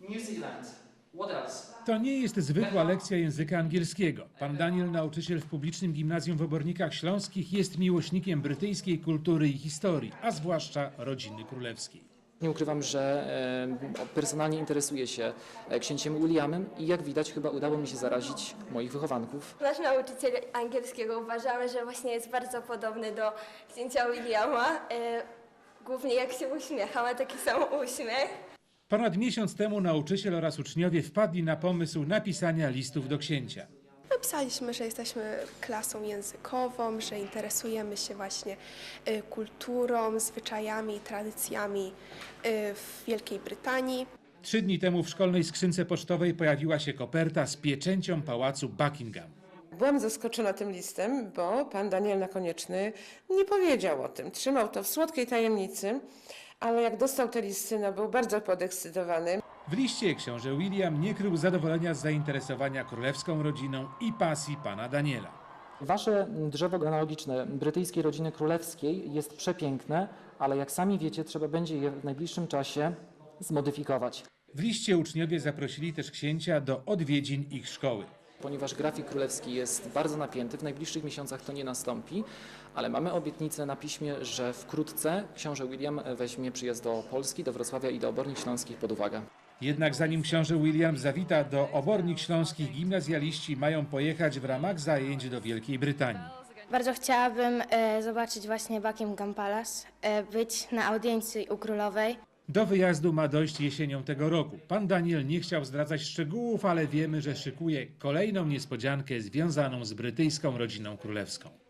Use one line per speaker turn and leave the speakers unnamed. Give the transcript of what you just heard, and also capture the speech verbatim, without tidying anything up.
New Zealand. What else?
To nie jest zwykła lekcja języka angielskiego. Pan Daniel, nauczyciel w publicznym gimnazjum w Obornikach Śląskich, jest miłośnikiem brytyjskiej kultury i historii, a zwłaszcza rodziny królewskiej.
Nie ukrywam, że e, personalnie interesuję się księciem Williamem i jak widać chyba udało mi się zarazić moich wychowanków.
Nasz nauczyciel angielskiego uważamy, że właśnie jest bardzo podobny do księcia Williama. E, głównie jak się uśmiecha, ma taki sam uśmiech.
Ponad miesiąc temu nauczyciel oraz uczniowie wpadli na pomysł napisania listów do księcia.
Napisaliśmy, że jesteśmy klasą językową, że interesujemy się właśnie y, kulturą, zwyczajami, tradycjami y, w Wielkiej Brytanii.
Trzy dni temu w szkolnej skrzynce pocztowej pojawiła się koperta z pieczęcią pałacu Buckingham.
Byłam zaskoczona tym listem, bo pan Daniel Nakonieczny nie powiedział o tym. Trzymał to w słodkiej tajemnicy, ale jak dostał te listy, no był bardzo podekscytowany.
W liście książę William nie krył zadowolenia z zainteresowania królewską rodziną i pasji pana Daniela.
Wasze drzewo genealogiczne brytyjskiej rodziny królewskiej jest przepiękne, ale jak sami wiecie, trzeba będzie je w najbliższym czasie zmodyfikować.
W liście uczniowie zaprosili też księcia do odwiedzin ich szkoły.
Ponieważ grafik królewski jest bardzo napięty, w najbliższych miesiącach to nie nastąpi, ale mamy obietnicę na piśmie, że wkrótce książę William weźmie przyjazd do Polski, do Wrocławia i do Obornik Śląskich pod uwagę.
Jednak zanim książę William zawita do Obornik Śląskich, gimnazjaliści mają pojechać w ramach zajęć do Wielkiej Brytanii.
Bardzo chciałabym e, zobaczyć właśnie Buckingham Palace, e, być na audiencji u królowej.
Do wyjazdu ma dojść jesienią tego roku. Pan Daniel nie chciał zdradzać szczegółów, ale wiemy, że szykuje kolejną niespodziankę związaną z brytyjską rodziną królewską.